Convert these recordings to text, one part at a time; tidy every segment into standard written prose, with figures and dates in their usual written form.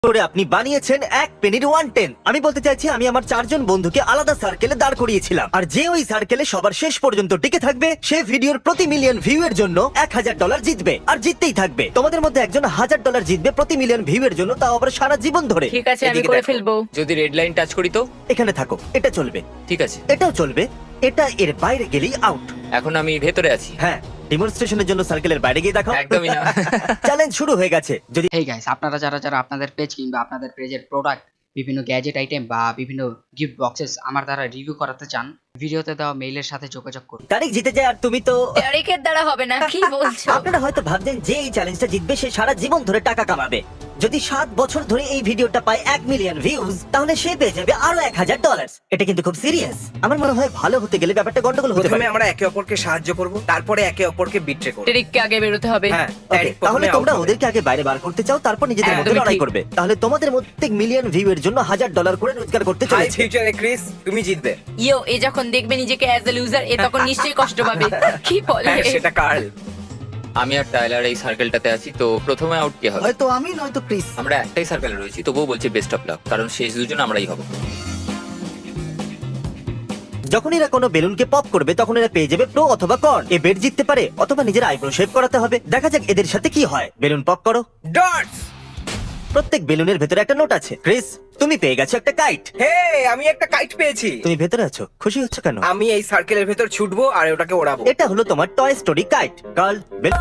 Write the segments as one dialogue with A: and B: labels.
A: করে আপনি বানিয়েছেন এক পেনির 110। আমি বলতে চাইছি আমি আমার 4 জন বন্ধুকে আলাদা সার্কেলে দাঁড় করিয়েছিলাম, আর যে ওই সার্কেলে সবার শেষ পর্যন্ত টিকে থাকবে সে ভিডিওর প্রতি মিলিয়ন ভিউ এর জন্য $1000 জিতবে, আর জিততেই থাকবে। তোমাদের মধ্যে একজন $1000 জিতবে প্রতি মিলিয়ন ভিউ এর জন্য, তাও আবার সারা জীবন ধরে।
B: ঠিক আছে, আমি
C: এদিকে
B: করে
C: দেখো।
B: ফেলবো।
C: যদি রেড লাইন টাচ করি তো
A: এখানে থাকো, এটা চলবে,
C: ঠিক আছে।
A: এটাও চলবে, এটা এর বাইরে গেলেই আউট।
C: এখন আমি ভেতরে আছি।
A: হ্যাঁ, ডেমনস্ট্রেশনের জন্য সার্কেলের বাইরে গিয়ে দেখো।
C: একদমই না।
A: চ্যালেঞ্জ শুরু হয়ে গেছে। যদি
D: হেই গাইস, আপনারা যারা আপনাদের পেজ কিংবা আপনাদের পেজের প্রোডাক্ট, বিভিন্ন গ্যাজেট আইটেম বা বিভিন্ন গিফট বক্সেস আমার দ্বারা রিভিউ করাতে চান, ভিডিওতে দেওয়া মেইলের সাথে যোগাযোগ করুন।
A: তারিখ জিতে যায় আর তুমি তো
B: তারিখের দ্বারা হবে না, কি বলছো?
A: আপনারা হয়তো ভাবছেন যে এই চ্যালেঞ্জটা জিতবে সে সারা জীবন ধরে টাকা কামাবে। যদি 7 বছর ধরে এই ভিডিওটা পায় 1 মিলিয়ন ভিউজ, তাহলে সে পেয়ে যাবে আরো $1000। এটা কিন্তু খুব সিরিয়াস। আমার মনে হয় ভালো হতে গেলে ব্যাপারটা গন্ডগোল হতে
E: প্রথমে
A: পারে।
E: আমরা একে অপরকে সাহায্য করব, তারপরে একে অপরকে বিট্রে করব।
B: তারিখকে আগে বেরোতে হবে।
E: হ্যাঁ,
A: Okay,
E: তারিখ
A: তাহলে
E: প্রথমে
A: তোমরা
E: out হবে।
A: ওদেরকে আগে বাইরে বার করতে চাও, তারপর নিজেদের মধ্যে
B: একদমই
A: লড়াই
B: ঠিক।
A: করবে। তাহলে তোমাদের মধ্যে মিলিয়ন ভিউ এর জন্য $1000 করে রোজগার করতে
E: হাই
A: চলেছে।
E: ফিউচারে ক্রিস, তুমি জিতবে।
B: ইয়ো, এ যখন দেখবে নিজেকে অ্যাজ এ লুজার, এ তখন নিশ্চয়ই কষ্ট পাবে। কি বলে?
E: হ্যাঁ, সেটা কার্ল।
C: আমি আর টাইলার এই সার্কেলটাতে আছি, তো প্রথমে আউট কে হবে?
F: হয়তো আমি নয়তো ক্রিস।
C: আমরা একটাই সার্কেলে রয়েছি, তবুও বলছি বেস্ট অফ লাক, কারণ শেষ দুজন আমরাই হব।
A: যখন এরা কোনো বেলুনকে পপ করবে তখন এরা পেয়ে যাবে প্রো অথবা কর্ন। এ বেড জিততে পারে অথবা নিজের আইব্রো শেভ করাতে হবে। দেখা যাক এদের সাথে কি হয়। বেলুন পপ করো।
E: ডটস।
A: প্রত্যেক বেলুনের ভেতরে একটা নোট আছে। ক্রিস, তুমি পেয়ে গেছো একটা কাইট।
E: হে, আমি একটা কাইট পেয়েছি।
A: তুমি ভেতরে আছো, খুশি হচ্ছ কেন?
E: আমি এই সার্কেলের ভেতর ছুটবো আর ওটাকে ওড়াবো।
A: এটা হলো তোমার Toy Story kite. Carl,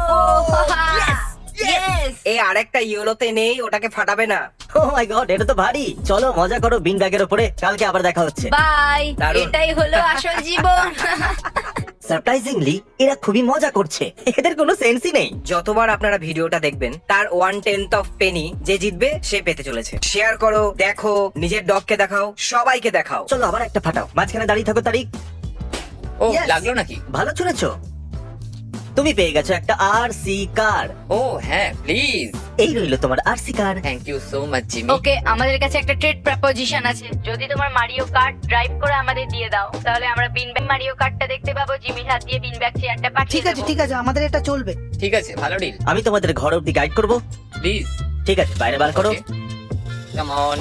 B: yes!
E: এই আরেকটা ইয়েলোতে নেই, ওটাকে ফাটাবে না।
A: ও মাই গড, এটা তো ভারী। চলো মজা করো বিন ব্যাগের উপরে। কালকে আবার দেখা হচ্ছে।
B: বাই।
E: দারুণ।
B: এটাই হলো আসল জীবন।
A: সারপ্রাইজিংলি এরা খুবই মজা করছে, এদের কোনো সেন্সই নেই।
E: যতবার আপনারা ভিডিওটা দেখবেন তার 1/10 অফ পেনি যে জিতবে সে পেতে চলেছে। শেয়ার করো, দেখো, নিজের ডগকে দেখাও, সবাইকে দেখাও।
A: চলো আবার একটা ফাটাও। মাঝখানে দাঁড়িয়ে থাকো তারিখ।
C: ও,
A: Yes!
C: লাগলো নাকি?
A: ভালো চলেছো। তুমি পেয়ে গেছো একটা আরসি কার।
C: ও হ্যাঁ, প্লিজ।
A: এই রইলো তোমার RC car.
C: Thank you so much Jimmy.
B: Okay, আমাদের কাছে একটা ট্রেড প্রপোজিশন আছে। যদি তোমার মারিও কার্ট ড্রাইভ করে আমাদের দিয়ে দাও, তাহলে আমরা বিন ব্যাগ মারিও কার্টটা দেখতে পাবো। জিমির হাত দিয়ে বিন ব্যাগ চেয়ারটা পাঠিয়ে
F: ঠিক আছে
B: দেবো।
F: ঠিক আছে, আমাদের এটা চলবে।
C: ঠিক আছে, ভালো ডিল।
A: আমি তোমাদের ঘর অব্দি গাইড করবো।
C: প্লিজ
A: ঠিক আছে, বাইরে বার করো।
C: Come on.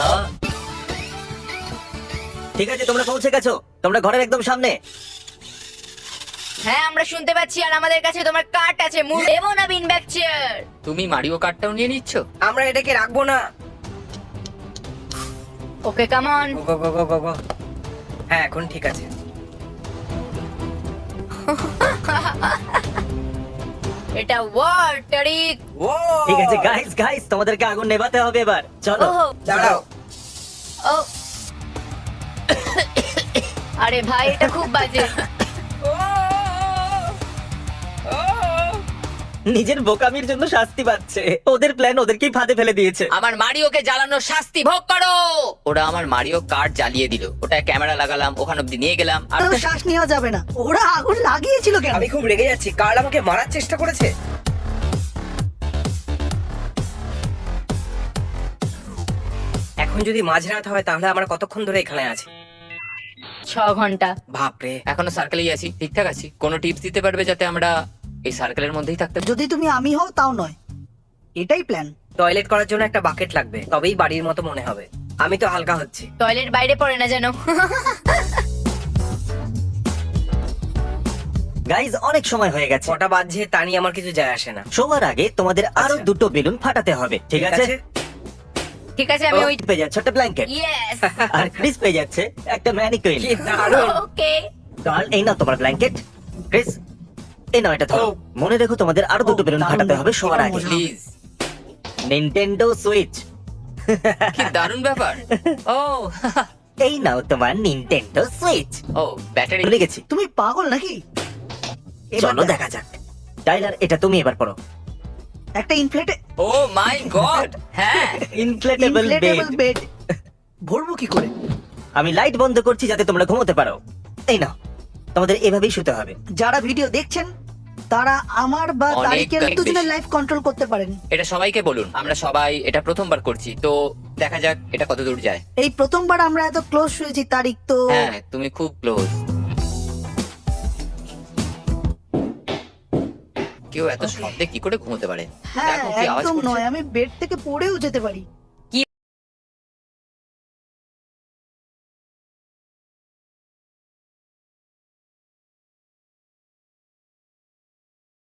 A: ঠিক আছে, তোমরা পৌঁছে গেছো। তোমরা ঘরের একদম সামনে।
B: হ্যাঁ, আমরা শুনতে পাচ্ছি। আর আমাদের কাছে তোমার কার্ট আছে। মুভ দেবো না বিন ব্যাগ চেয়ার।
C: তুমি মারিও কার্ডটাও নিয়ে নিচ্ছ?
E: আমরা এটাকে রাখবো না।
B: Okay, come on.
E: Go go go go go. হ্যাঁ, এখন ঠিক আছে।
B: এটা ওয়ার তারিক।
E: ও
A: ঠিক আছে গাইস, গাইস তোমাদেরকে আগুন নেভাতে হবে এবার। চলো।
B: ওহো,
E: দাঁড়াও।
B: ও। আরে ভাই, এটা খুব বাজে।
A: নিজের বোকামির জন্য শাস্তি পাচ্ছে। ওদের প্ল্যান ওদেরকেই ফাঁদে ফেলে দিয়েছে।
C: আমার মারিওকে জ্বালানোর শাস্তি ভোগ করো। ওরা আমার মারিও কার্ড জ্বালিয়ে দিল। ওটা ক্যামেরা লাগালাম, ওখান অব্দি নিয়ে গেলাম, আর
F: তো শ্বাস নেওয়া যাবে না। ওরা আগুন লাগিয়েছিল কেন?
E: আমি খুব রেগে যাচ্ছি। কার্ল আমাকে মারার চেষ্টা করেছে। এখন যদি মাঝরাত হয় তাহলে আমরা কতক্ষণ ধরে এখানে আছি?
B: 6 ঘন্টা।
E: বাপরে।
C: এখনো সার্কেলেই আছি, ঠিকঠাক আছি। কোনো টিপস দিতে পারবে যাতে আমরা এই সার্কেলের মধ্যেই থাকতে পারি?
F: যদি তুমি আমি হও তাও নয়, এটাই প্ল্যান।
E: টয়লেট করার জন্য একটা বাকেট লাগবে, তবেই বাড়ির মতো মনে হবে। আমি তো হালকা হচ্ছি।
B: টয়লেট বাইরে পড়ে না যেন।
A: গাইজ, অনেক সময় হয়ে গেছে।
E: কটা বাজছে তা নিয়ে আমার কিছু যায় আসে না।
A: শোবার আগে তোমাদের আরো
E: আচ্ছা।
A: 2টো বেলুন ফাটাতে হবে, ঠিক আছে?
B: ঠিক আছে, আমি ওই
A: পেয়ে যাচ্ছে একটা ব্ল্যাঙ্কেট।
B: ইয়েস।
A: আর ক্রিস পেয়ে যাচ্ছে একটা ম্যানিকুইন।
E: কি দারুণ।
B: ওকে।
A: কার্ল, এই নাও তোমার ব্ল্যাঙ্কেট। ক্রিস, এই নাও এটা ধরো।
E: ও।
A: মনে রেখো তোমাদের আরো 2টো বেলুন
F: দারুণ
A: ফাটাতে হবে
F: ব্যাপার।
A: শোয়ার
F: এবার
A: আগে।
F: মজা হবে।
C: প্লিজ।
A: Nintendo Switch.
C: কি দারুণ ব্যাপার। ও
A: এই নাও তোমার নিনটেন্ডো সুইচ।
C: ও, ব্যাটারি।
A: ভুলে গেছি।
F: তুমি পাগল নাকি? এবার
A: চলো দেখা যাক। টাইলার, এটা তুমি এবার পড়ো।
F: একটা ইনফ্লেটে
C: ও মাই গড, হ্যাঁ।
A: Inflatable
F: inflatable
A: bed.
F: বেড ভরবো কি করে?
A: আমি লাইট বন্ধ করছি যাতে তোমরা ঘুমোতে পারো। এই নাও, তোমাদের এভাবেই শুতে হবে।
F: যারা ভিডিও দেখছেন তারা আমার বা
C: অনেক
F: তারিকের
C: বেশি।
F: দুজনের লাইফ কন্ট্রোল করতে পারেন।
C: এটা সবাইকে বলুন, আমরা সবাই এটা প্রথমবার করছি, তো দেখা যাক এটা কত দূর যায়।
F: এই প্রথমবার আমরা এত ক্লোজ হয়েছি তারিক, তো
C: হ্যাঁ, তুমি খুব ক্লোজ। কেউ এত শব্দে কি করে ঘুমোতে পারে?
F: হ্যাঁ
C: দেখো কি আওয়াজ
F: একদম
C: করছে।
F: নয়, আমি বেড থেকে পড়েও যেতে পারি।